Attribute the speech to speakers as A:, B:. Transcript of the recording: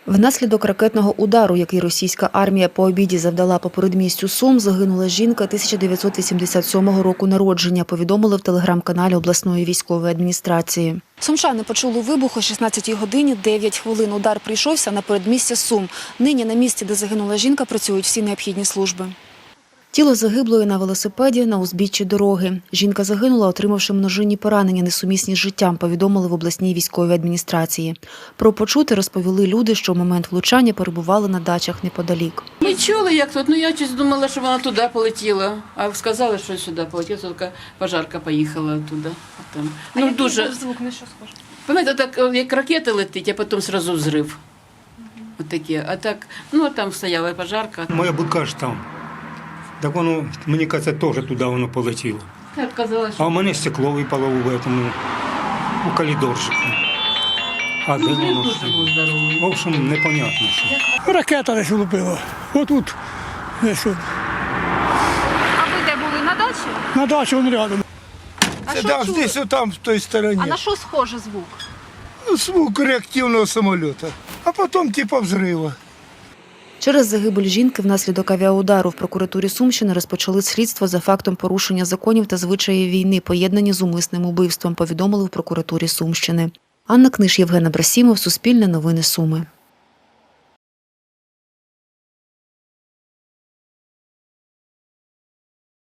A: Внаслідок ракетного удару, який російська армія по обіді завдала по передмістю Сум, загинула жінка 1987 року народження, повідомили в телеграм-каналі обласної військової адміністрації. Сумчани почули вибух о 16 годині 9 хвилин. Удар прийшовся на передмістя Сум. Нині на місці, де загинула жінка, працюють всі необхідні служби. Тіло загиблої на велосипеді на узбіччі дороги. Жінка загинула, отримавши множинні поранення, несумісні з життям, повідомили в обласній військовій адміністрації. Про почуте розповіли люди, що в момент влучання перебували на дачах неподалік.
B: Ми чули, як тут. Я щось думала, що вона туди полетіла. А сказали, що сюди полетіла, тільки пожарка поїхала туди. Там. Дуже звук на що схоже? Пам'ятаєте, так як ракета летить, а потім одразу взрив. Отакі. А так, там стояла пожарка.
C: Моя будка ж там. Так воно, мені кажеться, теж туди воно полетіло.
B: Так казалось, що...
C: А у мене стекло випало у коридорчику. А де воно? В общем, непонятно що.
D: Ракета десь влупила. Отут. Десь от.
E: А ви де були, на дачі?
D: На дачі вон рядом.
E: А що
F: Да,
E: чули?
F: здесь вот там, в той стороне.
E: А на що схоже звук?
F: Звук реактивного самолета. А потом типа взрыва.
A: Через загибель жінки внаслідок авіаудару в прокуратурі Сумщини розпочали слідство за фактом порушення законів та звичаїв війни, поєднані з умисним убивством, повідомили в прокуратурі Сумщини. Анна Книж, Євген Абрасімов, Суспільне новини Суми.